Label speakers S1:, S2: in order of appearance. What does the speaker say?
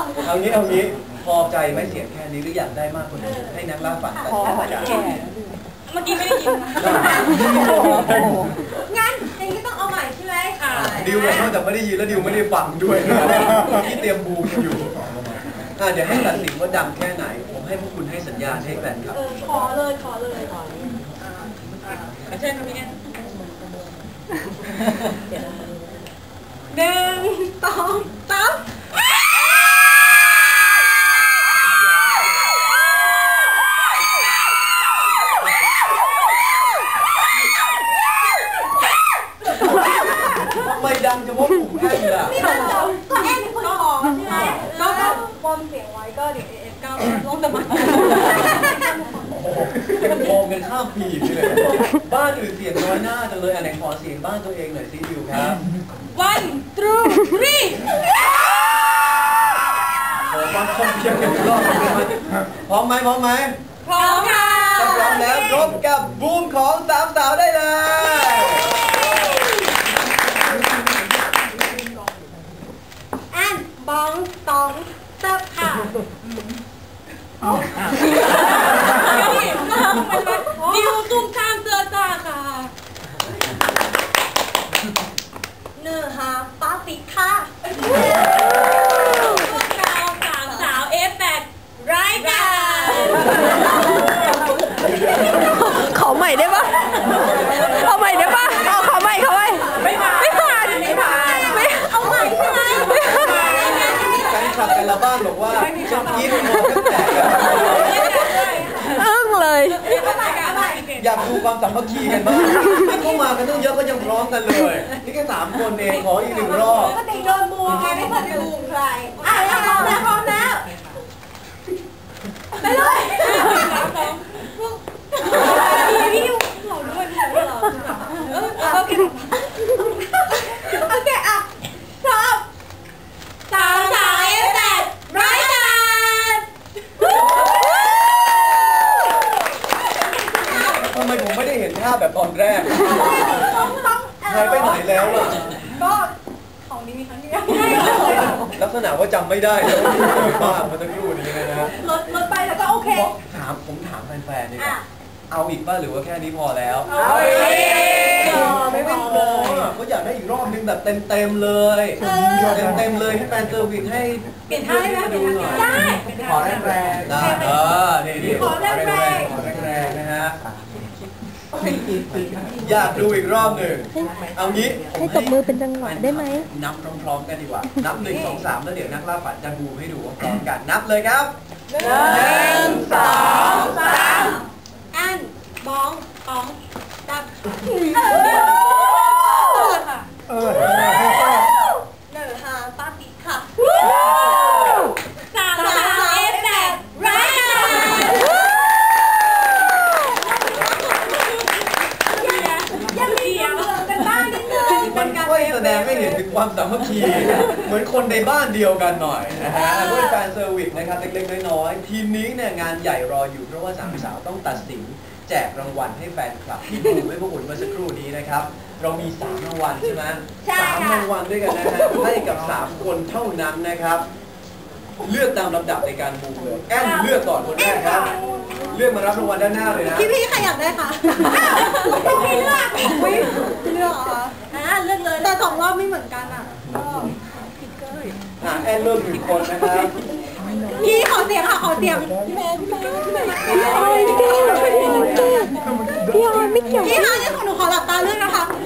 S1: เอางี้พอใจไม่เสียแค่นี้หรืออยากได้มากกว่านี้ให้นักล่าฝันตัดสินใจ
S2: เมื่อกี้ไม่ได้ยินงั้นอย่างนี้ต้องเอาใหม่ใช่ไหม
S1: ดิวเลยนอกจากไม่ได้ยินแล้วดิวไม่ได้ฟังด้วยที่เตรียมบูมอยู่เดี๋ยวให้ตัดสินว่าดังแค่ไหนผมให้พวกคุณให้สัญญาณให้แฟนครับ
S2: ขอเลยเชิญครับพี่แอน1 2 3
S1: ไม่ดังจะว่าผมแค่นี้ล่ะ
S2: นี่มันก็แอนเป็นคนขอใช่ไหมก็บอมเสียงไว้ก็เดี๋ยวเก้าลงตะมัน
S1: โกงกันข้ามปีเลยบ้านอื่นเสียงน้อยหน้าจังเลยไหนขอเสียงบ้านตัวเองหน่อยสิดิวครับ
S2: 1 2 3
S1: ขอความคมเพียงกันรอบพร้อมไหม
S2: พร้อมค่ะ
S1: ถ้าพร้อมแล้วพบกับบูมของสามสาวได้เลย
S2: อันบองตองเติบค่ะดิวตุ้มข้ามเสื้อจ้าค่ะเนื้อหาป้าปิดค่ะพวกเราสามสาว F8 รายการ
S3: ขอใหม่ได้ปะเอาใหม่ได้ปะเอาขอใหม่ไม่ผ่าน
S2: เอาใหม่ใช่ไหม
S1: แฟนคลับแต่ละบ้านบอกว่าชอบยิ้มมองกันแตก
S3: อึ้งเลย
S1: อยากดูความสามัคคีกันบ้างที่เข้ามากันต้องเยอะก็ยังพร้อมกันเลยนี่แค่3 คนเองขออีก1 รอบ
S2: ปกติโดนบูมไงไม่เคยบูมใครพร้อมแล้วไปเลยพี่ดิวเราด้วยเราโอเคอ่ะพร้อมสาวF8รายการ
S1: ทำไมผมไม่ได้เห็นภาพแบบตอนแรกหายไปไหนแล้วล่ะ
S2: ก็ของนี้มีครั้งเดียว
S1: ลักษณะว่าจำไม่ได้แล้วบ้ามันจะรู้นี้เลยนะ
S2: ลดไปแล้วก็โอเค
S1: ผมถามแฟนๆดีกว่าเอาอีกป่ะหรือว่าแค่นี้พอแล้วไม่พอก็อยากได้อีกรอบนึงแบบเต็มเลยเลยให้แฟนเซอร์วิสให้
S2: เปลี่ยนท่าได้
S1: ดูหน่อย
S2: ได้
S1: ขอแรงได้นี่ขอแรงนะฮะอยากดูอีกรอบหนึ่งเอางี้
S3: ให้ตบมือเป็นจังหวะได้ไหม
S1: นับพร้อมๆกันดีกว่านับ1 2 3แล้วเดี๋ยวนักล่าฝันจะบูมให้ดูพร้อมกันนับเลยครับ
S2: 1 2 3อันบองตับเนื้อหาป้าปิดค่ะสาวF8รายการยังมีเรื่องกันบ้างนิดนึง
S1: มันช่วยแสดงให้เห็นถึงความสามัคคีเหมือนคนในบ้านเดียวกันหน่อยนะฮะด้วยแฟนเซอร์วิสนะครับเล็กๆน้อยๆทีมนี้เนี่ยงานใหญ่รออยู่เพราะว่า3 สาวต้องตัดสินแจกรางวัลให้แฟนคลับที่ดูให้พวกคุณเมื่อสักครู่นี้นะครับเรามี3 รางวัลใช่ไหม3 รางวัลด้วยกันนะฮะให้กับ3 คนเท่านั้นนะครับเลือกตามลำดับในการบูมเลยแอนเลือกก่อนคนแรกครับเลือกมารับรางวัลด้านหน้าเลยนะ
S2: พี่ใครอยากได้คะพี่เลือกเหรอเลือกเลยแต่2 รอบไม่เหมือนกันผิดเกิน
S1: แอนเลือก1 คนนะครับ
S2: พี่ขอเสียงค่ะขอเสียงพี่แม่
S3: พี่ออยไม่เกี่ยว
S2: พี่คะนี่ของหนูขอหลับตาเลือกนะคะ